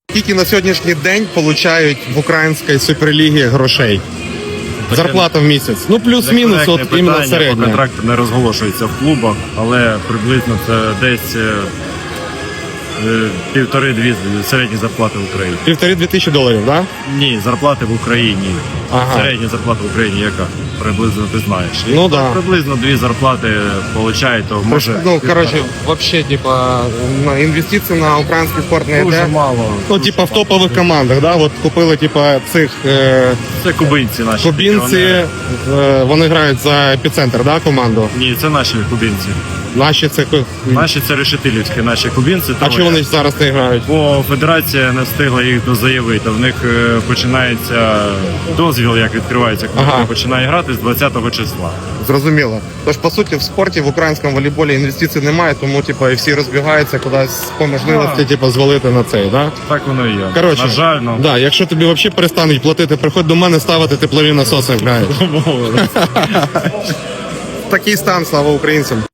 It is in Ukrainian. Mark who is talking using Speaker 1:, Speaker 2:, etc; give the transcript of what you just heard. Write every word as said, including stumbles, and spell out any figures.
Speaker 1: Скільки на сьогоднішній день получають в українській суперлігі грошей? Зарплата в місяць. Ну, плюс-мінус, от іменно середня.
Speaker 2: Контракт не розголошується в клубах, але приблизно це десь е, е, півтори-дві середні зарплати в Україні.
Speaker 1: Півтори-дві тисячі доларів, так? Да?
Speaker 2: Ні, зарплати в Україні.
Speaker 1: Ага.
Speaker 2: Середня зарплата в Україні яка? Приблизно ти знаєш.
Speaker 1: Ну, да.
Speaker 2: Приблизно дві зарплати получають, то може...
Speaker 1: Ну, коротше, взагалі, типа, на інвестиції на український спорт не
Speaker 2: Дуже
Speaker 1: йде.
Speaker 2: мало.
Speaker 1: Ну, типа, в топових командах, да? От купили, типа, цих е,
Speaker 2: Це кубинці наші.
Speaker 1: кубінці,
Speaker 2: Вони-
Speaker 1: е, вони грають за епіцентр, да, команду?
Speaker 2: Ні, це наші кубинці.
Speaker 1: Наші це...
Speaker 2: Наші це решетилівські, наші кубинці.
Speaker 1: А
Speaker 2: троє.
Speaker 1: чого вони зараз не грають?
Speaker 2: Бо федерація не встигла їх дозаявити. В них е, починається дозвіл, як відкривається, коли
Speaker 1: Ага.
Speaker 2: ага. починає грати з двадцятого числа.
Speaker 1: Зрозуміло. Тож, по суті, в спорті, в українському волейболі інвестицій немає, тому, типу, і всі розбігаються кудись по можливості,
Speaker 2: Да.
Speaker 1: типу, звалити на цей, да?
Speaker 2: Так воно і є.
Speaker 1: Коротше,
Speaker 2: На жаль, ну.
Speaker 1: да, якщо тобі взагалі перестануть платити, приходь до мене ставити теплові насоси, граєш. Такий стан, слава українцям.